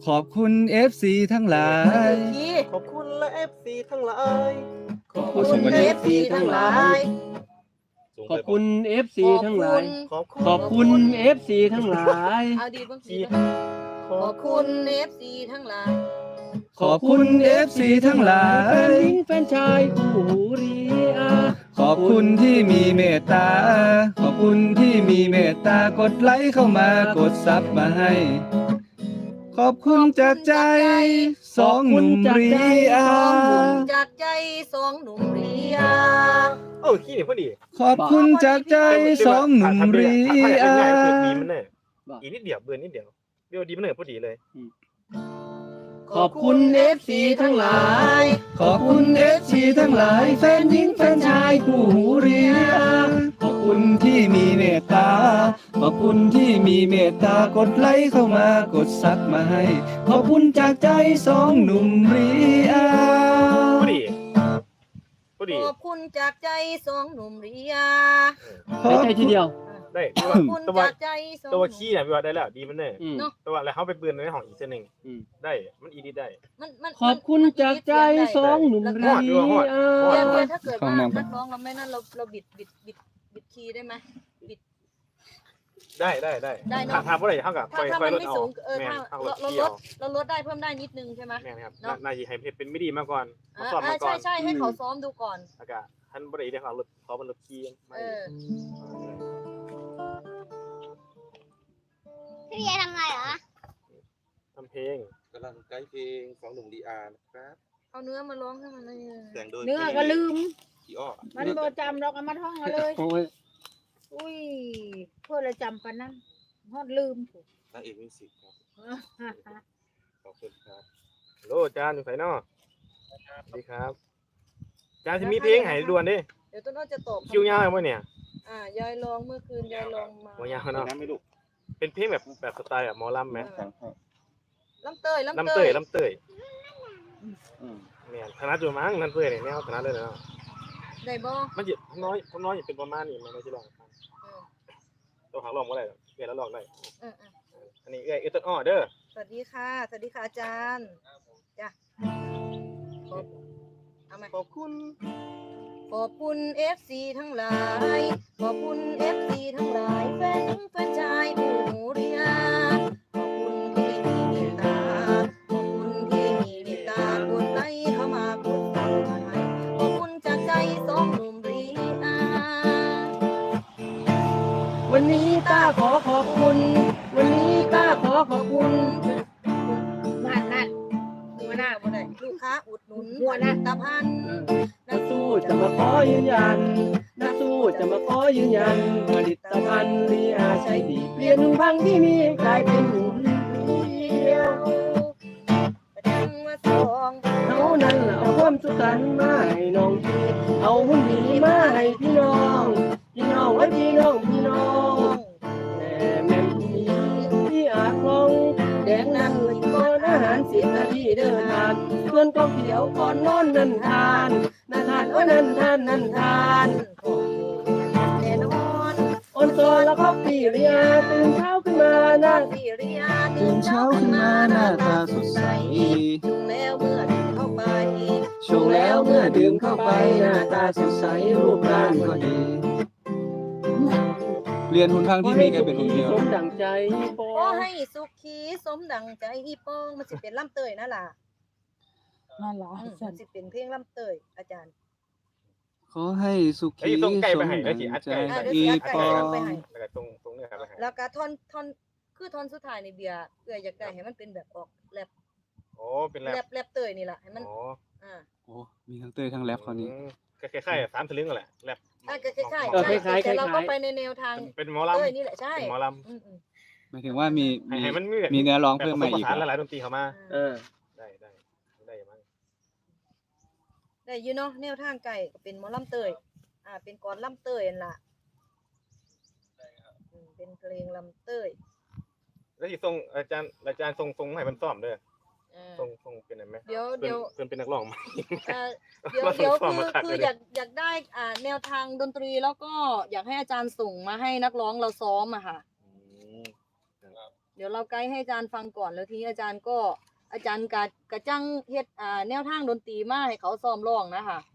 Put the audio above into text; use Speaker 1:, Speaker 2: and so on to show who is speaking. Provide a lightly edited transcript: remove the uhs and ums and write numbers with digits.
Speaker 1: ขอบคุณ FC ทั้งหลาย
Speaker 2: ขอบคุณและ FC ทั้งหลาย
Speaker 3: ขอบคุณ FC ทั้งหลายขอบคุณ FC ทั้งหลายขอบคุณ FC ทั้งหลาย
Speaker 4: เอาดีบ้างสิขอบคุณ FC ทั้งหลาย
Speaker 1: ขอบคุณ FC ทั้งหลา
Speaker 3: แฟน
Speaker 1: ย
Speaker 3: หญิงแฟนชายคู่หูรีอา
Speaker 1: ขอบคุณที่มีเมตตา ขอบคุณที่มีเมตตากดไลค์เข้ามากดซับมาให้ ขอบคุณจากใจสองหนุ่มรีอา
Speaker 4: จากใจสองหนุ่มเรีย
Speaker 2: โอ้ขี้นี่พอดี
Speaker 1: ขอบคุณจากใจสองหนุ่มรีอา
Speaker 2: เปิดดีมันเนอะอีกนิดเดียวเบื่อนิดเดียวเดี๋ยวดีมันเนอะพอดีเลย
Speaker 3: ขอบคุณ FC ทั้งหลาย
Speaker 1: ขอบคุณ FC ทั้งหลายแฟนหญิงแฟนชายคู่หูรีอาขอบคุณที่มีเมตตา ขอบคุณที่มีเมตตากดไลค์เข้ามากดซับมาให้ ขอบคุณจากใจสองหนุ่มรีอา
Speaker 2: พอดีพอดี
Speaker 4: ขอบคุณจากใจสองหนุ่มเรีย
Speaker 3: ไม่ใช่ทีเดียว
Speaker 2: ได้
Speaker 4: ขอบคุณ
Speaker 2: ตัว
Speaker 4: จากใจสอง
Speaker 2: ตัวขี้เนี่ยพี่ว่าได้แล้วดีมันเนอะ
Speaker 3: อืม
Speaker 2: ตัวแล้วเขาไปปืนในห้องอีกเส้นหนึ่ง
Speaker 3: อืม
Speaker 2: ได้มันอีดีได้
Speaker 4: มัน
Speaker 3: ขอบคุณจากใจสองหนุ่มรีอา
Speaker 4: เดี๋ยวถ้าเกิดว่านักร้องเราไม่นั่นเราบิดคีย์ได้ไหมบิด
Speaker 2: ได้
Speaker 4: ได้เนอะ
Speaker 2: ทำอะไรเท่ากับ
Speaker 4: ถ้า
Speaker 2: ไฟ
Speaker 4: มัน
Speaker 2: รถ
Speaker 4: ไม่
Speaker 2: เอา
Speaker 4: สูง
Speaker 2: แม่
Speaker 4: ถ้า
Speaker 2: ทางรถ
Speaker 4: เรา
Speaker 2: เที่
Speaker 4: ล
Speaker 2: ยว
Speaker 4: ดเราลดได้เพิ่มได้นิดนึงใช่ไหม
Speaker 2: แม่ครับ
Speaker 4: เนอะ
Speaker 2: นายให้เป็นไม่ดีมาก่อนมาสอบ
Speaker 4: อ่า
Speaker 2: มาก่อน
Speaker 4: ใช่ให้เขาซ้อมดูก่อน
Speaker 2: อากาศท่านบริเดี๋ยวเขารถเขาเป็นรถขี้ไม่
Speaker 5: พี่เบียร์ทำอะไรเหรอ
Speaker 2: ทำเพลง
Speaker 6: กำลังไกด์เพลงของหนุ่มดีอาร์นะครับ
Speaker 4: เอาเนื้อมาร้องให้มันเลย
Speaker 6: แต่งโดย
Speaker 7: เนื้อก็ลืม
Speaker 6: พี่อ้อ
Speaker 7: มันบ่จำเราก็มาท่องเอาเลย
Speaker 3: โอ้ย
Speaker 7: อุ้ยเพื่อเราจำกันนั่นฮอดลืม
Speaker 6: นางเอกมิวสิกครับขอบคุณครับ
Speaker 2: โลจานอยู่ไสนอสวัสดีครับจานที่มีเพลงให้ด่วนดิ
Speaker 4: เดี๋ยวต้นอ้อจะตอบ
Speaker 2: คิวยาวไหมเนี่ย
Speaker 4: ยายร้องเมื่อคืนยายร้องมา
Speaker 2: หัวยาวเนาะเป็นเพลงแบบสไตล์แบบหมอลำไหม
Speaker 4: ลำเตย
Speaker 2: ลำเตยเนี่ยคณะจุมั้งลำเตยเนี่ยแนวคณะเลยเนาะ
Speaker 4: ได้บ่
Speaker 2: มันจะน้อยอย่าเป็นประมาณนี้มันไม่ใช่ลองตัวหางลองก็ได้เกิดแล้วลองได้ อันนี้เอ้ยต้นอ้อเด้อ
Speaker 4: สวัสดีค่ะอาจารย์จ้ะเอาไหม
Speaker 2: ขอบคุณ
Speaker 4: ขอบคุณ FC ทั้งหลาย ขอบคุณ FC ทั้งหลายแฟนชายผู้หูเรียขอบคุณที่มีเมตตา ขอบคุณที่มีเมตตากดไลค์เข้ามากดติดตามให้ขอบคุณจากใจสองหนุ่มเรีย
Speaker 3: วันนี้ต้าขอขอบคุณ วันนี้ต้าขอขอบคุณ
Speaker 7: นั่นหัวหน้า
Speaker 4: บ่ได้ลูกค้าอุดหนุน
Speaker 7: หัวหน้า
Speaker 4: ตาพัน
Speaker 3: นักสู้จะมาขอยืนยัน นักสู้จะมาขอยืนยัน ผลิตภัณฑ์รีอาใช้ดีเปลี่ยนพังที่มีกลายเป็นหนุ่มเดียว
Speaker 4: ประจังว่าสอง
Speaker 3: เขานั้นล่ะเอาความสุขกันมาให้น้องพี่เอาหุ่นดีมาให้พี่น้องไว้พี่น้องแต่แม่นมีที่อาคลองแดงนั้นเลยก่อนอาหาร10 นาทีเดินทางส่วนก็เขียวก่อนนอนนั่นทานโอ้นั่นทาน
Speaker 4: แน่นอน
Speaker 3: ออนซอนแล้วก็ปีเรียตื่นเช้าขึ้นมานะ
Speaker 4: สิเรีย
Speaker 1: ตื่นเช้าขึ้นมาหน้าตาสดใส
Speaker 4: จุงแล้วเมื่อเดินเข้าไป
Speaker 3: ช่วงแล้วเมื่อดื่มเข้าไปหน้าตาสดใสรูปร่างก็ดี
Speaker 1: เรียนหุ่นพังที่มีกันเป็นหุ่นเดียว
Speaker 3: สมดังใจปอ
Speaker 4: ขอให้สุขีสมดังใจอีปองมันสิเป็นล่ำเตยนะล่ะ
Speaker 7: นั่นล่ะ
Speaker 4: มันสิเป็นเพลงล่ำเตยอาจารย์
Speaker 1: ขอให้สุขี
Speaker 2: ไอ้ส่งไก่ไปให้
Speaker 1: สม
Speaker 2: แล้วสิอัด
Speaker 1: ใจ
Speaker 2: ไก่
Speaker 1: อีปอ
Speaker 4: ไปให้
Speaker 2: แล้วก็ตรงเนื้อไปให้
Speaker 4: แล้วก็ท่อนคือท่อนสุดท้ายในเบียร์เอื้ออยากได้ให้มันเป็นแบบออกแรป
Speaker 2: โอ้เป็นแรป
Speaker 4: แรปเตยนี่ล่ะให้มัน
Speaker 2: โอ้
Speaker 1: โอ้มีทั้งเต้ยทั้งแรปคราวนี้
Speaker 2: คล้ายๆ3 สลึงนั่นแหละแรป
Speaker 4: ก็คล้ายๆแต่เราก็ไปในแนวทาง
Speaker 2: เป็นหมอลำ
Speaker 4: เตยนี่แหละใช่
Speaker 2: เป็นหมอล
Speaker 1: หมายถึงว่ามี
Speaker 2: ำให้มัน
Speaker 1: มีเนื้อร้อง
Speaker 2: แบบ
Speaker 1: เพิ่ม
Speaker 2: ผส
Speaker 1: มาม
Speaker 2: ผ
Speaker 1: อีก
Speaker 2: สาน
Speaker 1: เหรอ
Speaker 2: หลายๆดนตรีเข้ามา ได้มั้ง
Speaker 4: ได้อยู่เนาะแนวทางไก่ก็เป็นหมอลำเตยเป็นกรลำเตยนั่นล่ะเป็นเพลงลำเตย
Speaker 2: แล้วที่ส่งอาจารย์ส่งให้มันซ้อมเด้อส่งเป็นไหม
Speaker 4: เดี๋ยว
Speaker 2: เพิ่นเป็นนักร้องมา
Speaker 4: เดี๋ยวคืออยากได้แนวทางดนตรีแล้วก็อยากให้อาจารย์ส่งมาให้นักร้องเราซ้อมอะค่ะเดี๋ยวเราไกด์ให้อาจารย์ฟังก่อนแล้วทีนี้อาจารย์กะจังเฮ็ดแนวทางดนตรีมาให้เขาซ้อมร้องนะคะ